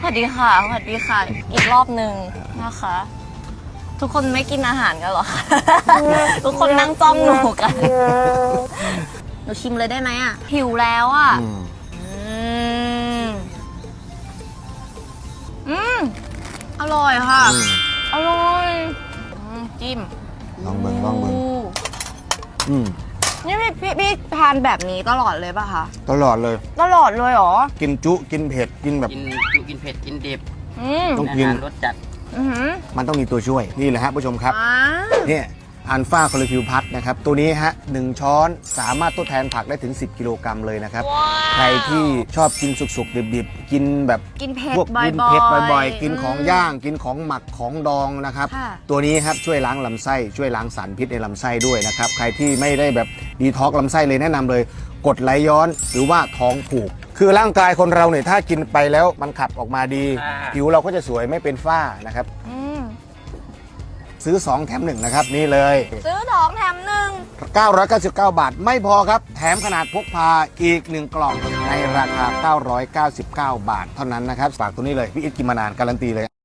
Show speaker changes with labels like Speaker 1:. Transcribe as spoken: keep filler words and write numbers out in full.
Speaker 1: วัสดีค่ะสวัสดีค่ะ อีกรอบหนึ่งนะคะ ทุกคนไม่กินอาหารกันหรอคะ ทุกคนนั่งจ้องหนูกันหนูชิมเลยได้ไหมอ่ะหิวแล้วอ่ะอืมอืมอร่อยค่ะอร่อยจิ้ม
Speaker 2: ลองเบิ่งลองเบิ่งอืม
Speaker 1: นี่พี่พี่พี่ทานแบบนี้ตลอดเลยป่ะคะ
Speaker 2: ตลอดเลย
Speaker 1: ตลอดเลยเหรอ
Speaker 2: กินจุกินเผ็ดกินแบบ
Speaker 3: กินจุกินเผ็ดกินดิบ
Speaker 2: ต้องกิน
Speaker 3: รสจัด
Speaker 2: มันต้องมีตัวช่วยนี่แหละฮะผู้ชมครับเนี่ยอัลฟาคอลิฟิวพัทนะครับตัวนี้ฮะหนึ่งช้อนสามารถทดแทนผักได้ถึงสิบกิโลกรัมเลยนะครับใครที่ชอบกินสุกๆดิบๆกินแบบ
Speaker 1: กินเผ็ด
Speaker 2: พวกกินเผ็ดบ่อยๆกินของย่างกินของหมักของดองนะครับตัวนี้ครับช่วยล้างลำไส้ช่วยล้างสารพิษในลำไส้ด้วยนะครับใครที่ไม่ได้แบบดีท็อกลำไส้เลยแนะนำเลยกรดไหลย้อนหรือว่าท้องผูกคือร่างกายคนเราเนี่ยถ้ากินไปแล้วมันขับออกมาดีผิวเราก็จะสวยไม่เป็นฝ้านะครับซื้อสองแถมหนึ่งนะครับนี่เลย
Speaker 1: ซื้อสองแถมหนึ่ง
Speaker 2: เก้าร้อยเก้าสิบเก้าบาทไม่พอครับแถมขนาดพกพาอีกหนึ่งกล่องในราคาเก้าร้อยเก้าสิบเก้าบาทเท่านั้นนะครับฝากตัวนี้เลยพี่อิทกินมานานการันตีเลย